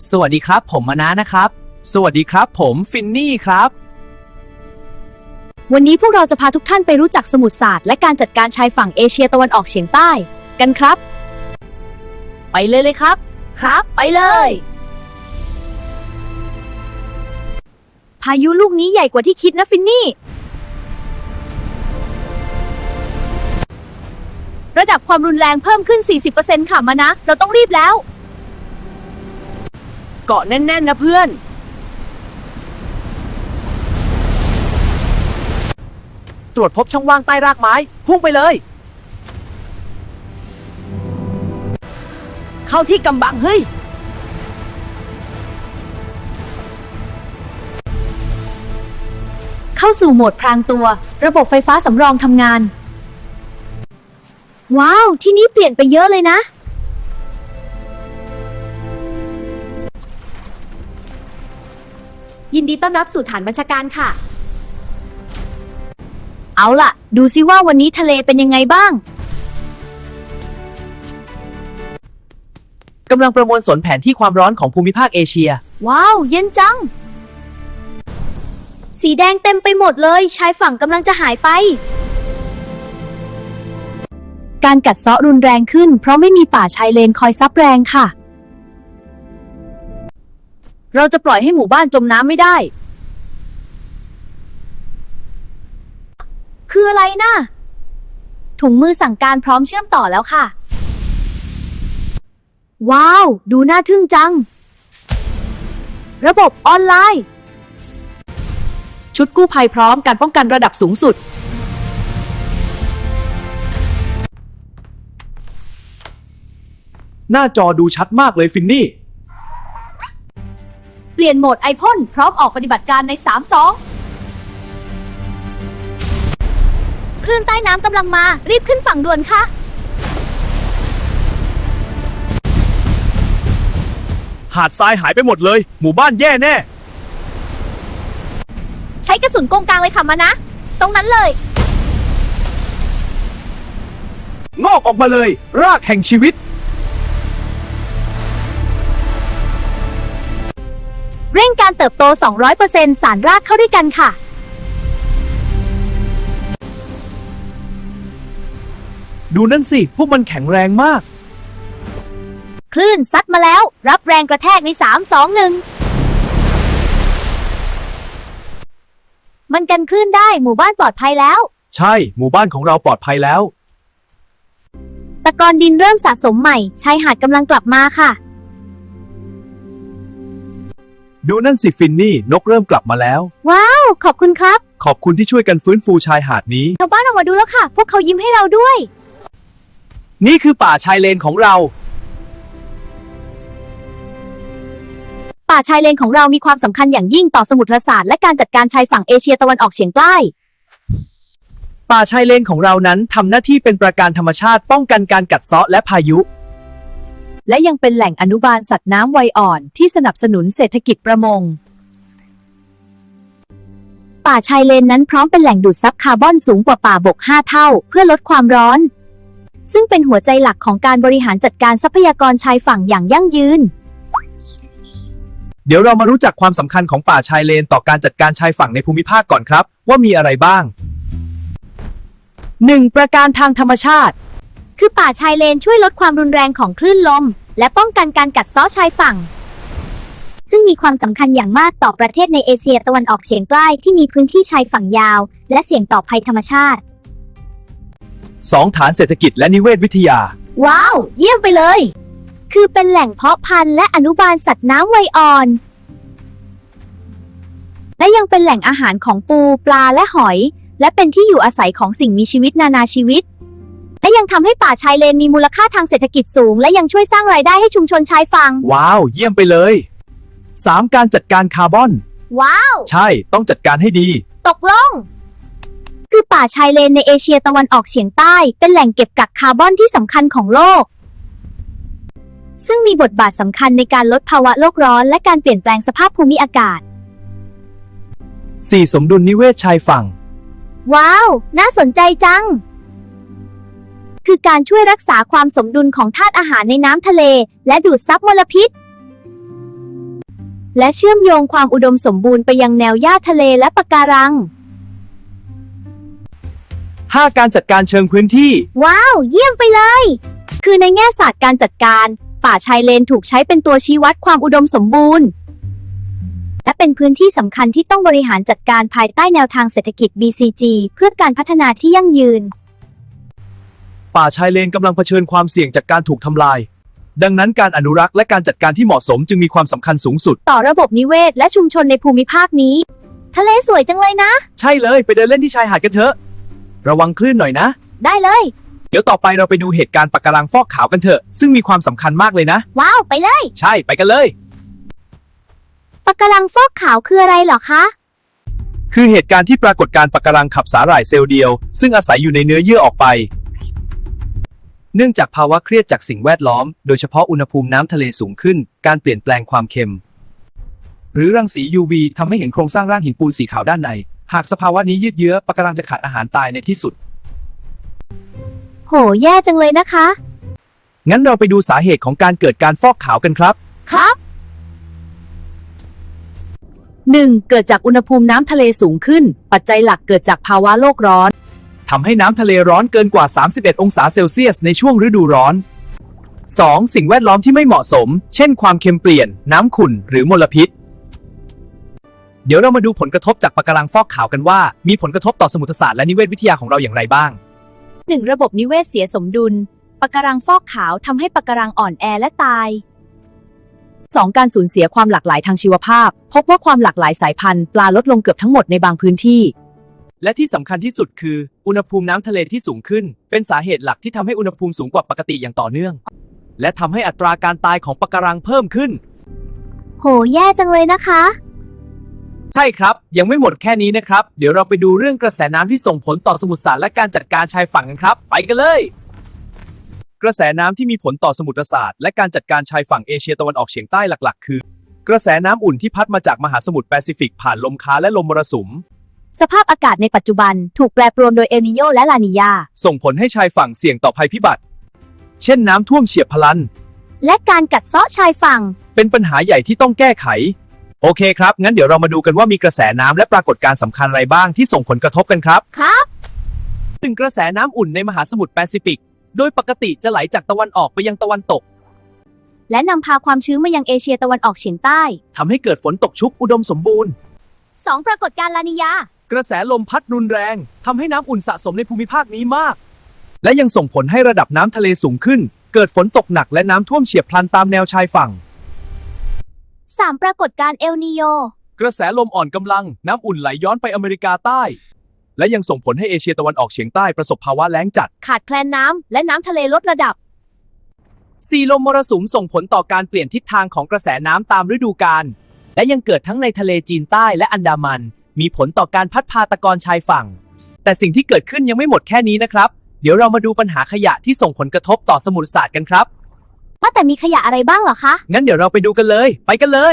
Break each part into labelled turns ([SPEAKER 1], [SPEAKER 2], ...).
[SPEAKER 1] สวัสดีครับผมมานะครับสวัสดีครับผมฟินนี่ครับ
[SPEAKER 2] วันนี้พวกเราจะพาทุกท่านไปรู้จักสมุทรศาสตร์และการจัดการชายฝั่งเอเชียตะวันออกเฉียงใต้กันครับไปเลยครับไปเลยพายุลูกนี้ใหญ่กว่าที่คิดนะฟินนี่ระดับความรุนแรงเพิ่มขึ้น 40% ค่ะมานะเราต้องรีบแล้ว
[SPEAKER 1] เกาะแน่นๆนะเพื่อนตรวจพบช่องว่างใต้รากไม้พุ่งไปเลยเข้าที่กำบังเฮ้ย
[SPEAKER 2] เข้าสู่โหมดพรางตัวระบบไฟฟ้าสำรองทำงานว้าวที่นี่เปลี่ยนไปเยอะเลยนะยินดีต้อนรับสู่ฐานบัญชาการค่ะเอาล่ะดูซิว่าวันนี้ทะเลเป็นยังไงบ้าง
[SPEAKER 1] กำลังประมวลผลแผนที่ความร้อนของภูมิภาคเอเชีย
[SPEAKER 2] ว้าวเย็นจังสีแดงเต็มไปหมดเลยชายฝั่งกำลังจะหายไปการกัดเซาะรุนแรงขึ้นเพราะไม่มีป่าชายเลนคอยซับแรงค่ะเราจะปล่อยให้หมู่บ้านจมน้ำไม่ได้คืออะไรนะถุงมือสั่งการพร้อมเชื่อมต่อแล้วค่ะว้าวดูน่าทึ่งจังระบบออนไลน์ชุดกู้ภัยพร้อมการป้องกันระดับสูงสุด
[SPEAKER 1] หน้าจอดูชัดมากเลยฟินนี่
[SPEAKER 2] เปลี่ยนโหมดไอพ่นพร้อมออกปฏิบัติการใน 3-2 คลื่นใต้น้ำกำลังมารีบขึ้นฝั่งด่วนค่ะ
[SPEAKER 1] หาดทรายหายไปหมดเลยหมู่บ้านแย่แน่
[SPEAKER 2] ใช้กระสุนกงกลางเลยค่ะมานะตรงนั้นเลย
[SPEAKER 1] งอกออกมาเลยรากแห่งชีวิต
[SPEAKER 2] เร่งการเติบโต 200% สารรากเข้าด้วยกันค่ะ
[SPEAKER 1] ดูนั่นสิพวกมันแข็งแรงมาก
[SPEAKER 2] คลื่นซัดมาแล้วรับแรงกระแทกใน 3-2-1 มันกันคลื่นได้หมู่บ้านปลอดภัยแล้ว
[SPEAKER 1] ใช่หมู่บ้านของเราปลอดภัยแล้ว
[SPEAKER 2] ตะกอนดินเริ่มสะสมใหม่ชายหาดกำลังกลับมาค่ะ
[SPEAKER 1] ดูนั่นสิฟินนี่นกเริ่มกลับมาแล้ว
[SPEAKER 2] ว้าวขอบคุณครับ
[SPEAKER 1] ขอบคุณที่ช่วยกันฟื้นฟูชายหาดนี้
[SPEAKER 2] ชาวบ้านออกมาดูแล้วค่ะพวกเขายิ้มให้เราด้วย
[SPEAKER 1] นี่คือป่าชายเลนของเรา
[SPEAKER 2] ป่าชายเลนของเรามีความสำคัญอย่างยิ่งต่อสมุทรศาสตร์และการจัดการชายฝั่งเอเชียตะวันออกเฉียงใต้
[SPEAKER 1] ป่าชายเลนของเรานั้นทำหน้าที่เป็นปราการธรรมชาติป้องกันการกัดเซาะและพายุ
[SPEAKER 2] และยังเป็นแหล่งอนุบาลสัตว์น้ำวัยอ่อนที่สนับสนุนเศรษฐกิจประมงป่าชายเลนนั้นพร้อมเป็นแหล่งดูดซับคาร์บอนสูงกว่าป่าบก 5 เท่าเพื่อลดความร้อนซึ่งเป็นหัวใจหลักของการบริหารจัดการทรัพยากรชายฝั่งอย่างยั่งยืน
[SPEAKER 1] เดี๋ยวเรามารู้จักความสำคัญของป่าชายเลนต่อการจัดการชายฝั่งในภูมิภาคก่อนครับว่ามีอะไรบ้าง
[SPEAKER 2] 1. ประการทางธรรมชาติคือป่าชายเลนช่วยลดความรุนแรงของคลื่นลมและป้องกันการกัดเซาะชายฝั่งซึ่งมีความสำคัญอย่างมากต่อประเทศในเอเชียตะวันออกเฉียงใต้ที่มีพื้นที่ชายฝั่งยาวและเสี่ยงต่อภัยธรรมชาติ
[SPEAKER 1] 2. ฐานเศรษฐกิจและนิเวศวิทยา
[SPEAKER 2] ว้าวเยี่ยมไปเลยคือเป็นแหล่งเพาะพันธุ์และอนุบาลสัตว์น้ำวัยอ่อนและยังเป็นแหล่งอาหารของปูปลาและหอยและเป็นที่อยู่อาศัยของสิ่งมีชีวิตนานาชีวิตและยังทำให้ป่าชายเลนมีมูลค่าทางเศรษฐกิจสูงและยังช่วยสร้างรายได้ให้ชุมชนชายฝั่ง
[SPEAKER 1] ว้าวเยี่ยมไปเลย 3. การจัดการคาร์บอน
[SPEAKER 2] ว้าว
[SPEAKER 1] ใช่ต้องจัดการให้ดี
[SPEAKER 2] ตกลงคือป่าชายเลนในเอเชียตะวันออกเฉียงใต้เป็นแหล่งเก็บกักคาร์บอนที่สำคัญของโลกซึ่งมีบทบาทสำคัญในการลดภาวะโลกร้อนและการเปลี่ยนแปลงสภาพภูมิอากาศ
[SPEAKER 1] 4. สมดุลนิเวศชายฝั่ง
[SPEAKER 2] ว้าวน่าสนใจจังคือการช่วยรักษาความสมดุลของธาตุอาหารในน้ำทะเลและดูดซับมลพิษและเชื่อมโยงความอุดมสมบูรณ์ไปยังแนวหญ้าทะเลและปะการัง
[SPEAKER 1] 5. การจัดการเชิงพื้นที่
[SPEAKER 2] ว้าว เยี่ยมไปเลย คือในแง่ศาสตร์การจัดการ ป่าชายเลนถูกใช้เป็นตัวชี้วัดความอุดมสมบูรณ์ และเป็นพื้นที่สำคัญที่ต้องบริหารจัดการภายใต้แนวทางเศรษฐกิจ BCG เพื่อการพัฒนาที่ยั่งยืน
[SPEAKER 1] ป่าชายเลนกำลังเผชิญความเสี่ยงจากการถูกทำลาย ดังนั้นการอนุรักษ์และการจัดการที่เหมาะสมจึงมีความสำคัญสูงสุด
[SPEAKER 2] ต่อระบบนิเวศและชุมชนในภูมิภาคนี้ ทะเลสวยจังเลยนะ
[SPEAKER 1] ใช่เลยไปเดินเล่นที่ชายหาดกันเถอะ ระวังคลื่นหน่อยนะ
[SPEAKER 2] ได้เลย
[SPEAKER 1] เดี๋ยวต่อไปเราไปดูเหตุการณ์ปะการังฟอกขาวกันเถอะ ซึ่งมีความสำคัญมากเลยนะ
[SPEAKER 2] ว้าว ไปเลย
[SPEAKER 1] ใช่ไปกันเลย
[SPEAKER 2] ปะการังฟอกขาวคืออะไรเหรอคะ
[SPEAKER 1] คือเหตุการณ์ที่ปรากฏการณ์ปะการังขับสาหร่ายเซลล์เดียว ซึ่งอาศัยอยู่ในเนื้อเยื่อออกไป เนื่องจากภาวะเครียดจากสิ่งแวดล้อม โดยเฉพาะอุณหภูมิน้ำทะเลสูงขึ้น การเปลี่ยนแปลงความเค็ม หรือรังสี UV ทำให้เห็นโครงสร้างร่างหินปูนสีขาวด้านใน หากสภาวะนี้ยืดเยื้อปะการังจะขาดอาหารตายในที่สุด
[SPEAKER 2] โห แย่จังเลยนะคะ
[SPEAKER 1] งั้นเราไปดูสาเหตุของการเกิดการฟอกขาวกันครับ
[SPEAKER 2] ครับ
[SPEAKER 3] 1. เกิดจากอุณหภูมิน้ำทะเลสูงขึ้น ปัจจัยหลักเกิดจากภาวะโลกร้อน
[SPEAKER 1] ทำให้น้ำทะเลร้อนเกินกว่า 31 องศาเซลเซียสในช่วงฤดูร้อน 2. สิ่งแวดล้อมที่ไม่เหมาะสม เช่นความเค็มเปลี่ยน น้ำขุ่น หรือมลพิษ เดี๋ยวเรามาดูผลกระทบจากปะการังฟอกขาวกันว่า มีผลกระทบต่อสมุทรศาสตร์และนิเวศวิทยาของเราอย่างไรบ้าง
[SPEAKER 3] 1. ระบบนิเวศเสียสมดุล ปะการังฟอกขาวทำให้ปะการังอ่อนแอและตาย 2. การสูญเสียความหลากหลายทางชีวภาพ พบว่าความหลากหลายสายพันธุ์ปลาลดลงเกือบทั้งหมดในบางพื้นที่
[SPEAKER 1] และที่สำคัญที่สุดคือ อุณหภูมิน้ำทะเลที่สูงขึ้น เป็นสาเหตุหลักที่ทำให้อุณหภูมิสูงกว่าปกติอย่างต่อเนื่อง และทำให้อัตราการตายของปะการังเพิ่มขึ้น
[SPEAKER 2] โห แย่จังเลยนะคะ
[SPEAKER 1] ใช่ครับ ยังไม่หมดแค่นี้นะครับ เดี๋ยวเราไปดูเรื่องกระแสน้ำที่ส่งผลต่อสมุทรศาสตร์และการจัดการชายฝั่งกันครับ ไปกันเลย กระแสน้ำที่มีผลต่อสมุทรศาสตร์และการจัดการชายฝั่งเอเชียตะวันออกเฉียงใต้หลักๆ คือ กระแสน้ำอุ่นที่พัดมาจากมหาสมุทรแปซิฟิกผ่านลมค้าและลมมรสุม
[SPEAKER 3] สภาพอากาศในปัจจุบันถูกแปรปรวนโดยเอลนีโญและลานีญา
[SPEAKER 1] ส่งผลให้ชายฝั่งเสี่ยงต่อภัยพิบัติ เช่นน้ำท่วมเฉียบพลัน
[SPEAKER 2] และการกัดเซาะชายฝั่ง
[SPEAKER 1] เป็นปัญหาใหญ่ที่ต้องแก้ไข โอเคครับ งั้นเดี๋ยวเรามาดูกันว่ามีกระแสน้ำและปรากฏการณ์สำคัญอะไรบ้างที่ส่งผลกระทบกันครับ
[SPEAKER 2] ครับ
[SPEAKER 1] 1. กระแสน้ำอุ่นในมหาสมุทรแปซิฟิก โดยปกติจะไหลจากตะวันออกไปยังตะวันตก
[SPEAKER 2] และนำพาความชื้นมายังเอเชียตะวันออกเฉียงใต้
[SPEAKER 1] ทำให้เกิดฝนตกชุกอุดมสมบูรณ์
[SPEAKER 2] 2. ปรากฏการณ์ลานีญา
[SPEAKER 1] กระแสลมพัดรุนแรงทำให้น้ำอุ่นสะสมในภูมิภาคนี้มาก และยังส่งผลให้ระดับน้ำทะเลสูงขึ้น เกิดฝนตกหนักและน้ำท่วมเฉียบพลันตามแนวชายฝั่ง
[SPEAKER 2] 3. ปรากฏการณ์เอลนีโญ
[SPEAKER 1] กระแสลมอ่อนกำลังน้ำอุ่นไหลย้อนไปอเมริกาใต้ และยังส่งผลให้เอเชียตะวันออกเฉียงใต้ประสบภาวะแล้งจัด
[SPEAKER 2] ขาดแคลนน้ำและน้ำทะเลลดระดับ
[SPEAKER 1] 4. ลมมรสุมส่งผลต่อการเปลี่ยนทิศทางของกระแสน้ำตามฤดูกาล และยังเกิดทั้งในทะเลจีนใต้และอันดามัน มีผลต่อการพัดพาตะกอนชายฝั่ง แต่สิ่งที่เกิดขึ้นยังไม่หมดแค่นี้นะครับ เดี๋ยวเรามาดูปัญหาขยะที่ส่งผลกระทบต่อสมุทรศาสตร์กันครับ
[SPEAKER 2] ว่าแต่มีขยะอะไรบ้างเหรอคะ
[SPEAKER 1] งั้นเดี๋ยวเราไปดูกันเลย ไปกันเลย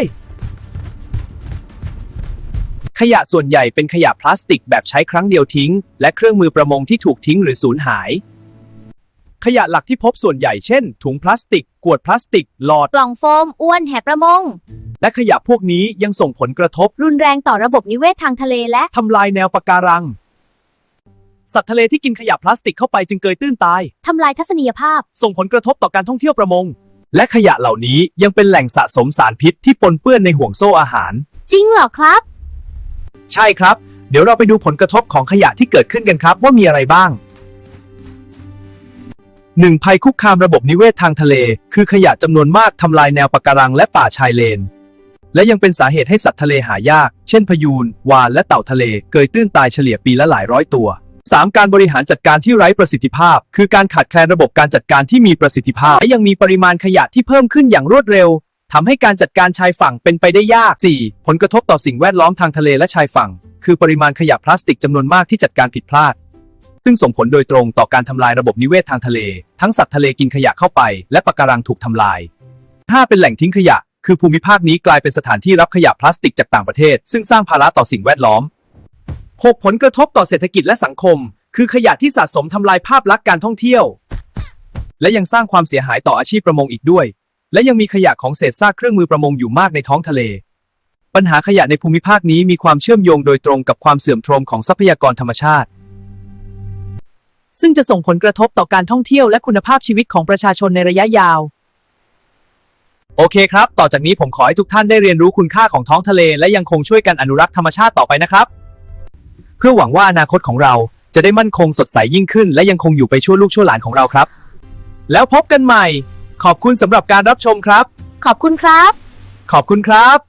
[SPEAKER 1] ขยะส่วนใหญ่เป็นขยะพลาสติกแบบใช้ครั้งเดียวทิ้ง และเครื่องมือประมงที่ถูกทิ้งหรือสูญหาย ขยะหลักที่พบส่วนใหญ่เช่น ถุงพลาสติก ขวดพลาสติก หลอด
[SPEAKER 2] กล่องโฟม อ้วนแหประมง
[SPEAKER 1] และขยะพวกนี้ยังส่งผลกระทบ
[SPEAKER 2] รุนแรงต่อระบบนิเวศทางทะเลและ
[SPEAKER 1] ทำลายแนวปะการัง สัตว์ทะเลที่กินขยะพลาสติกเข้าไปจึงเกยตื้นตาย
[SPEAKER 2] ทำลายทัศนียภาพ
[SPEAKER 1] ส่งผลกระทบต่อการท่องเที่ยวประมง และขยะเหล่านี้ยังเป็นแหล่งสะสมสารพิษที่ปนเปื้อนในห่วงโซ่อาหาร
[SPEAKER 2] จริงเหรอครับ
[SPEAKER 1] ใช่ครับ เดี๋ยวเราไปดูผลกระทบของขยะที่เกิดขึ้นกันครับว่ามีอะไรบ้าง 1. ภัยคุกคามระบบนิเวศทางทะเล คือขยะจำนวนมากทำลายแนวปะการังและป่าชายเลน และยังเป็นสาเหตุให้สัตว์ทะเลหายาก เช่นพยูน วาฬและเต่าทะเล เกยตื้นตายเฉลี่ยปีละหลายร้อยตัว 3. การบริหารจัดการที่ไร้ประสิทธิภาพ คือการขาดแคลนระบบการจัดการที่มีประสิทธิภาพ และยังมีปริมาณขยะที่เพิ่มขึ้นอย่างรวดเร็วทำให้การจัดการชายฝั่งเป็นไปได้ยาก 4. ผลกระทบต่อสิ่งแวดล้อมทางทะเลและชายฝั่ง คือปริมาณขยะพลาสติกจำนวนมากที่จัดการผิดพลาด ซึ่งส่งผลโดยตรงต่อการทำลายระบบนิเวศทางทะเล ทั้งสัตว์ทะเลกินขยะเข้าไปและปะการังถูกทำลาย 5. เป็นแหล่งทิ้งขยะ คือภูมิภาคนี้กลายเป็นสถานที่รับขยะพลาสติกจากต่างประเทศ ซึ่งสร้างภาระต่อสิ่งแวดล้อม 6. ผลกระทบต่อเศรษฐกิจและสังคม คือขยะที่สะสมทำลายภาพลักษณ์การท่องเที่ยว และยังสร้างความเสียหายต่ออาชีพประมงอีกด้วย และยังมีขยะของเศษซากเครื่องมือประมงอยู่มากในท้องทะเลปัญหาขยะในภูมิภาคนี้มีความเชื่อมโยงโดยตรงกับความเสื่อมโทรมของทรัพยากรธรรมชาติ
[SPEAKER 3] ซึ่งจะส่งผลกระทบต่อการท่องเที่ยวและคุณภาพชีวิตของประชาชนในระยะยาว
[SPEAKER 1] โอเคครับ ต่อจากนี้ผมขอให้ทุกท่านได้เรียนรู้คุณค่าของท้องทะเลและยังคงช่วยกันอนุรักษ์ธรรมชาติต่อไปนะครับ เพื่อหวังว่าอนาคตของเราจะได้มั่นคงสดใสยิ่งขึ้นและยังคงอยู่ไปชั่วลูกชั่วหลานของเราครับ แล้วพบกันใหม่ ขอบคุณสำหรับการรับชมครับ
[SPEAKER 2] ขอบคุณครับ
[SPEAKER 1] ขอบคุณครับ